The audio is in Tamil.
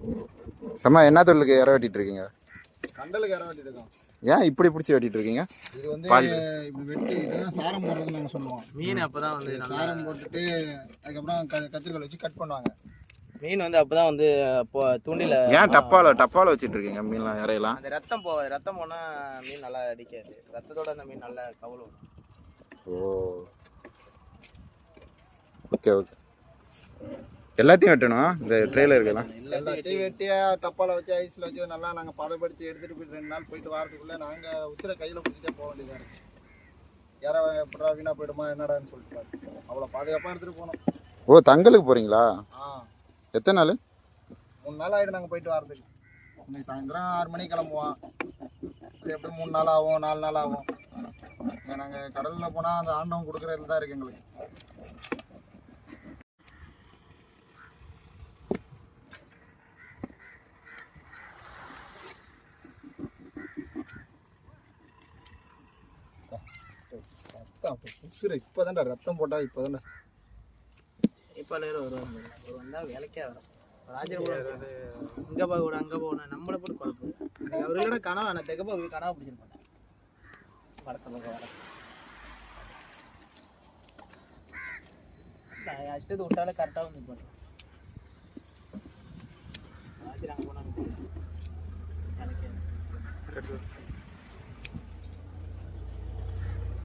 செம்ம என்ன தொழிலுக்கு இற வெட்டிட்டு இருக்கீங்க? கண்டலுக்கு இற வெட்டிட்டு இருக்கோம். ஏன் இப்படி பிடிச்சி வெட்டிட்டு இருக்கீங்க? இது வந்து இப்படி வெட்டி இதுதான் சாரம் போடுறதுன்னு நாங்கள் சொல்லுவோம். மீன் அப்போ தான் வந்து சாரம் போட்டுட்டு அதுக்கப்புறம் கத்திரிக்கோல் வச்சு கட் பண்ணுவாங்க. மீன் வந்து அப்போ தான் வந்து தூண்டில. ஏன் டப்பாவில் வச்சுட்டு இருக்கீங்க மீன்லாம் இறையெல்லாம்? அந்த ரத்தம் போனால் மீன் நல்லா அடிக்காது. ரத்தத்தோட அந்த மீன் நல்லா கவுளும். ஓ ஓகே ஓகே. எல்லாத்தையும் வெட்டணும் இந்த ட்ரெயில இருக்கலாம். எல்லாத்தையும் வெட்டியா டப்பாவில் வச்சு ஐஸில் வச்சு நல்லா நாங்கள் பதப்படுத்தி எடுத்துகிட்டு போயிட்டு 2 நாள் போயிட்டு வரதுக்குள்ளே நாங்கள் உசுரை கையில் பிடிச்சிட்டே போக வேண்டியதாக இருக்குது. யாரோ எப்படா வீணாக போயிடுமா என்னடான்னு சொல்லிட்டு அவ்வளோ பாதுகாப்பாக எடுத்துகிட்டு போனோம். ஓ தங்கலுக்கு போகிறீங்களா? எத்தனை நாள்? 3 நாள் ஆகிடும் நாங்கள் போயிட்டு வரதுக்கு. இன்னைக்கு சாயந்தரம் 6 மணிக்கு கிளம்புவோம். அது எப்படி 3 நாள் ஆகும் 4 நாள் ஆகும். நாங்கள் கடலில் போனால் அந்த ஆண்டவன் கொடுக்குறதுல தான் இருக்குது எங்களுக்கு. உசுரை இப்போதான்டா ரத்தம் போட்டால் இப்போதான்டா இப்போ நேரம் வருவாங்க. ஒரு வந்தால் வேலைக்கே வரும். ராஜர் கூட இங்கே போக அங்கே போகணும் நம்மளை போட்டு குழப்பம். அவர்களோட கனவு நான் தெக்க போய் கனவை பிடிச்சிருப்பேன். வடக்க பக்கம் வர அஷ்டத்து விட்டாலே கரெக்டாக வந்து போட்டேன். ராஜர் அங்கே போனால் வேலைக்கே